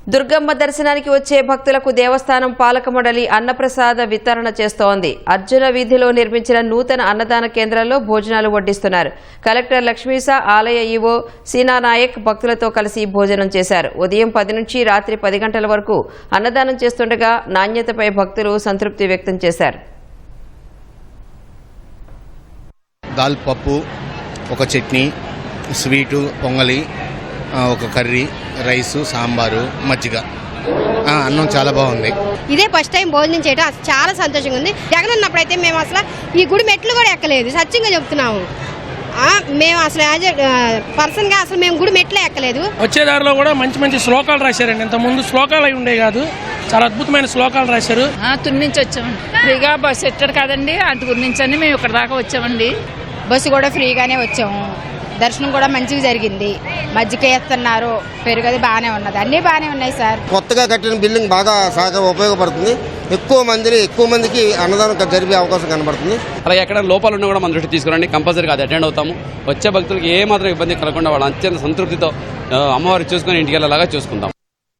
దుర్గమ్మ దర్శనానికి వచ్చే భక్తులకు దేవస్థానం పాలక మండలి అన్నప్రసాద వితరణ చేస్తోంది. అర్జున వీధిలో నిర్మించిన నూతన అన్నదాన కేంద్రంలో భోజనాలు వడ్డిస్తున్నారు. కలెక్టర్ లక్ష్మీసా, ఆలయ ఈవో సీనానాయక్ భక్తులతో కలిసి భోజనం చేశారు. ఉదయం 10 నుంచి రాత్రి 10 గంటల వరకు అన్నదానం చేస్తుండగా నాణ్యతపై భక్తులు సంతృప్తి వ్యక్తం చేశారు. దాల్ పప్పు, ఒక చట్నీ, స్వీటు, పొంగలి, ఒక కర్రీ, రైసు, సాంబారు, మజ్జిగ, అన్నం చాలా బాగుంది. ఇదే ఫస్ట్ టైం భోజనం చేయడం చాలా సంతోషంగా ఉంది. జగన్ ఉన్నప్పుడైతే మేము అసలు ఈ గుడి మెట్లు కూడా ఎక్కలేదు, సత్యంగా చెప్తున్నాము. మేము అసలు పర్సన్గా అసలు మేము గుడి మెట్లే ఎక్కలేదు. వచ్చేదారిలో కూడా మంచి మంచి శ్లోకాలు రాశారండి. ఇంతకుముందు శ్లోకాలు అయి ఉండే కాదు, చాలా అద్భుతమైన శ్లోకాలు రాశారు. తుని నుంచి వచ్చామండి. ఫ్రీగా బస్సు ఎట్టాడు కదండి, అంతకు నుంచి అని మేము ఇక్కడ దాకా వచ్చామండి. బస్సు కూడా ఫ్రీగానే వచ్చాము. దర్శనం కూడా మంచిగా జరిగింది. మజ్జిగ వేస్తున్నారు, పెరుగది బాగానే ఉన్నది, అన్నీ బాగానే ఉన్నాయి సార్. కొత్తగా కట్టిన బిల్డింగ్ బాగా ఉపయోగపడుతుంది. ఎక్కువ మందికి అన్నదానం జరిపే అవకాశం కనబడుతుంది. అలాగే ఎక్కడ లోపాలు ఉన్నా కూడా మన దృష్టి తీసుకురండి, కంపల్సరీగా అది అటెండ్ అవుతాము. వచ్చే భక్తులకు ఏ మాత్రం ఇబ్బంది కలగకుండా వాళ్ళు అత్యంత సంతృప్తితో అమ్మవారు చూసుకుని ఇంటికి వెళ్ళేలాగా చూసుకుంటాం.